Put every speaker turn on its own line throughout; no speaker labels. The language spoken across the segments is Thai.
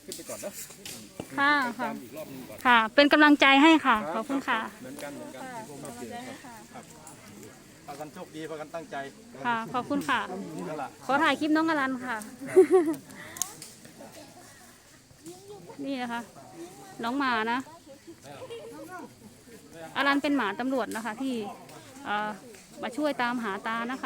ขึ้นไปก่อนเนาะ
ค่ะค่ะค่ะเป็นกำลังใจให้ค่ะขอบคุณค่ะ
เหมือนกันพวกเราเจอครับพากันโชคดีพากันตั้งใจ
ค่ะขอบคุณค่ะขอถ่ายคลิปน้องอลันค่ะนี่นะคะน้องหมานะอลันเป็นหมาตำรวจนะคะที่มาช่วยตามหาตานะคะ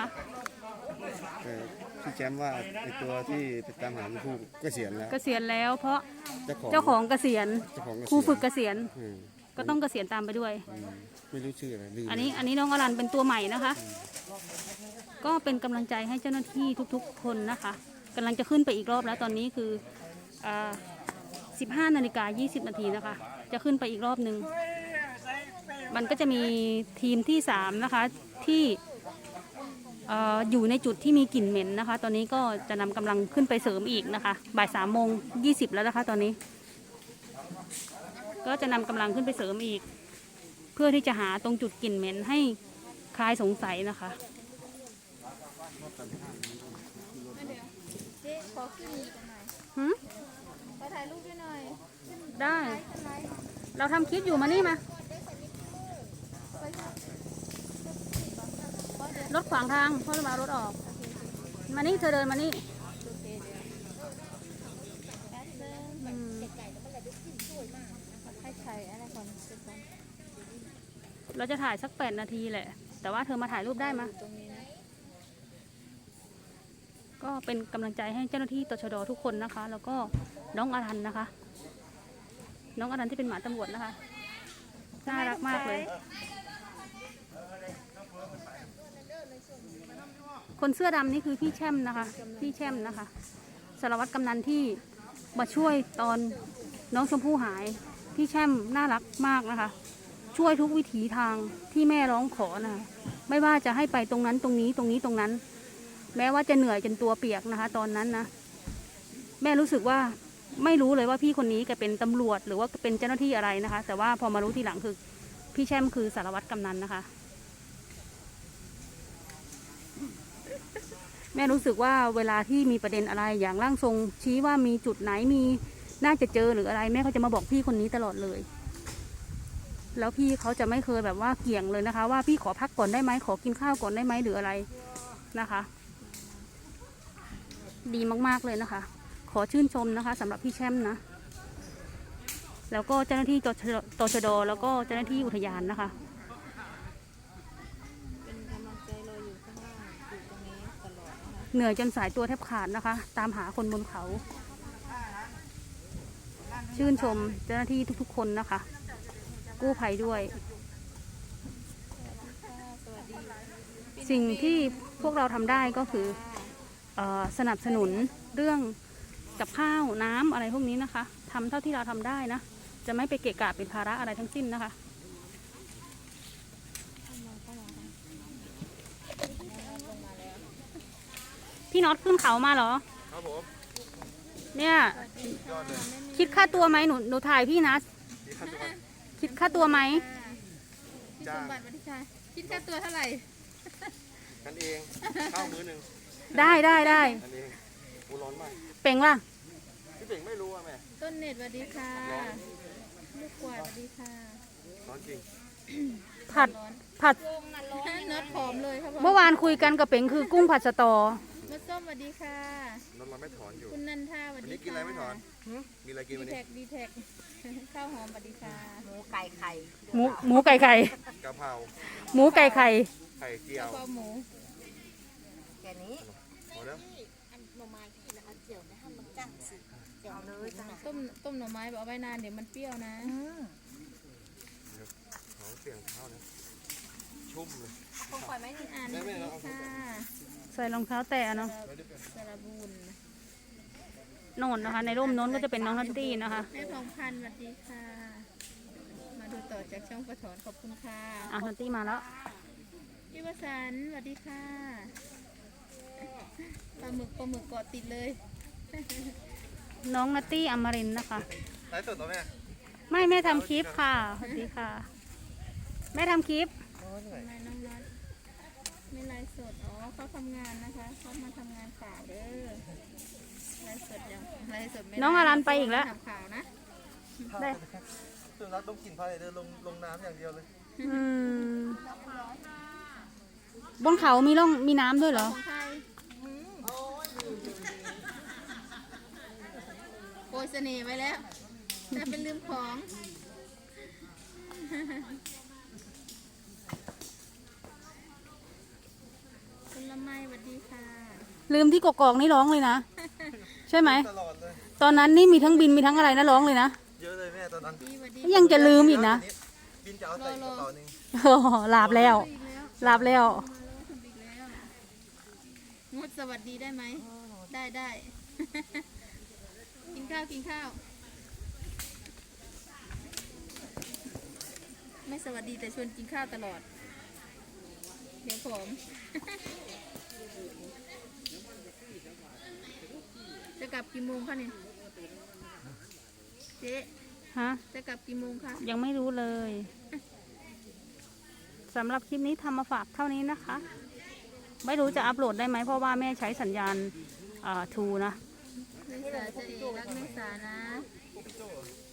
พี่แจมว่าไอตัวที่ไปตามหาผู้เกษียณแล้ว
เกษียณแล้วเพราะเจ้าของเกษียณครูฝึกเกษียณก็ต้องเกษียณตามไปด้วย
ไม่รู้ชื่ออะไร
อันนี้น้องอลันเป็นตัวใหม่นะคะก็เป็นกำลังใจให้เจ้าหน้าที่ทุกๆคนนะคะกำลังจะขึ้นไปอีกรอบแล้วตอนนี้คือ15:20 นาทีนะคะจะขึ้นไปอีกรอบนึงมันก็จะมีทีมที่3นะคะที่อยู่ในจุดที่มีกลิ่นเหม็นนะคะตอนนี้ก็จะนำกำลังขึ้นไปเสริมอีกนะคะบ่าย3:20แล้วนะคะตอนนี้ก็จะนำกำลังขึ้นไปเสริมอีกเพื่อที่จะหาตรงจุดกลิ่นเหม็นให้คลายสงสัยนะคะ
เจ๊ขอขึ้นอีกหน่อยขอถ่ายรูปด้วยหน่อย
ได้เราทำคลิปอยู่มานี่มารถขวางทางพ่อจะมารถออกมานี่เธอเดินมานี่เราจะถ่ายสัก8 นาทีแหละแต่ว่าเธอมาถ่ายรูปได้ไหมก็เป็นกำลังใจให้เจ้าหน้าที่ตชด.ทุกคนนะคะแล้วก็น้องอรันนะคะน้องอรันที่เป็นหมาตำรวจนะคะน่ารักมากเลยคนเสื้อดำนี่คือพี่แช่มนะคะพี่แช่มนะคะสารวัตรกำนันที่มาช่วยตอนน้องชมพู่หายพี่แช่มน่ารักมากนะคะช่วยทุกวิถีทางที่แม่ร้องขอนะคะไม่ว่าจะให้ไปตรงนั้นตรงนี้ตรงนี้ตรงนั้นแม้ว่าจะเหนื่อยจนตัวเปียกนะคะตอนนั้นนะแม่รู้สึกว่าไม่รู้เลยว่าพี่คนนี้แกเป็นตำรวจหรือว่าเป็นเจ้าหน้าที่อะไรนะคะแต่ว่าพอมารู้ทีหลังคือพี่แช่มคือสารวัตรกำนันนะคะแม่รู้สึกว่าเวลาที่มีประเด็นอะไรอย่างร่างทรงชี้ว่ามีจุดไหนมีน่าจะเจอหรืออะไรแม่เขาจะมาบอกพี่คนนี้ตลอดเลยแล้วพี่เขาจะไม่เคยแบบว่าเกี่ยงเลยนะคะว่าพี่ขอพักก่อนได้ไหมขอกินข้าวก่อนได้ไหมหรืออะไรนะคะดีมากๆเลยนะคะขอชื่นชมนะคะสำหรับพี่แช่มนะแล้วก็เจ้าหน้าที่ตชด.แล้วก็เจ้าหน้าที่อุทยานนะคะ
เป็นกำลังใจรออยู่ข้างล่างอยู่ตรงนี้ตลอดนะคะ
เหนื่อยจนสายตัวแทบขาดนะคะตามหาคนบนเขาชื่นชมเจ้าหน้าที่ทุกๆคนนะคะกู้ภัยด้วยสิ่งที่พวกเราทำได้ก็คือสนับสนุนเรื่องกับข้าวน้ำอะไรพวกนี้นะคะทำเท่าที่เราทำได้นะจะไม่ไปเกะกะเป็นภาระอะไรทั้งสิ้นนะคะพี่น็อตขึ้นเขามาเหรอ
ครับผม
เนี่ยคิดค่าตัวไหมหนูถ่ายพี่นะคิดค่าตัวไหม
พี่สมบัติวัฒน์ชัยคิดค่าตัวเท่าไหร่
กันเองข้าวมื้อนึง
ได้
กันเองกูร้อนมาก
เป่งล่ะ
พี่เป่งไม่รู้อ่ะแม่
ต้นเน็ตสวัสดีค่ะลูกกวาดสวัสดีค่ะ
ร้อนจริง
ผัด
น็อตผอมเลยครับ
เมื่อวานคุยกันกับเป่งคือกุ้งผัดสตอ
มะส้มสวัสดีค่ะ
นอนไม่ถอนอยู่
คุณนันทาสวัสดีค่ะวันนี้
กินอะไรไม่ถอนมีอะไรกินวันนี้
ดีแท็กข้าวหอมสวัสดีค่ะ
หมูไก่ไข่หมูไก่ไข่
กะเพรา
หมูไก่ไข่
ไข่เจียว
กะเพราหมู
แค่นี้พอแล้ว
ต้มหน่อไม้แบบเอาไว้นานเดี๋ยวมันเปรี้ยวนะ
เขาเสียงเท้านะชุ่มเลย
คงปล่อยไม่ได้อ่านได้ค่ะ
ใส่รองเท้าแตะเนาะ
สระบุญ
โน่นนะคะในร่มโน้นก็จะเป็นน้องนัตตี้นะคะ
แม่พงพันธ์สวัสดีค่ะมาดูต่อจากช่องปะถอนขอบคุณค่ะ
นัตตี้มาแล้ว
พี่วสันต์สวัสดีค่ะปลาหมึกเกาะติดเลย
น้องนัตตี้อมรินทร์นะคะ
ไลฟ์สดเหรอ
แม่ทำคลิปค่ะสวัสดีค่ะแม่ทำคลิป
ไม่น้องนัทไม่ไลฟ์สดเขาทำงานนะคะเขามาทำงานข่าวเด้อไลฟ์สดยังไลฟ์สดไม่ได้
น้องอารันไปอีกแล้ว
ทำข่าวนะ
ได้
สุนัขต้องกินพายเดินลงน้ำอย่างเดียวเลย
อืมบนเขามีร่องมีน้ำด้วยเหรอ
ของใครโปรยเสน่ห์ไว้แล้วถ้าเป็นลืมของคุณละไมสวัสดีค่ะ
ลืมที่กกอกนี่ร้องเลยนะ ใช่ไหม
ตลอดเลย
ตอนนั้นนี่มีทั้งบินมีทั้งอะไรนะร้องเลยนะ
เยอะเลยแม่ตอนนั้น
ดีสวัสดี
ยังจะลืมอีกนะ
บินจะเอาใส่กระเป๋าหนึ่ง
โอ้หลาบแล้ว
อีกแล้ว
หลาบแล้ว
มาแล้วทำอีกแล้วงดสวัสดีได้ไหม ได้ได้ กินข้าวกินข้าว ไม่สวัสดีแต่ชวนกินข้าวตลอด เดี๋ยวผม จะกลับกี่โมงคะเนี่ยเจ๊
ฮะ
จะกลับกี่โมงคะ
ยังไม่รู้เลยสำหรับคลิปนี้ทำมาฝากเท่านี้นะคะ ไม่รู้จะอัปโหลดได้ไหมเพราะว่าแม่ใช้สัญญาณทูนะ
เมษาจะเอรักเมษานะ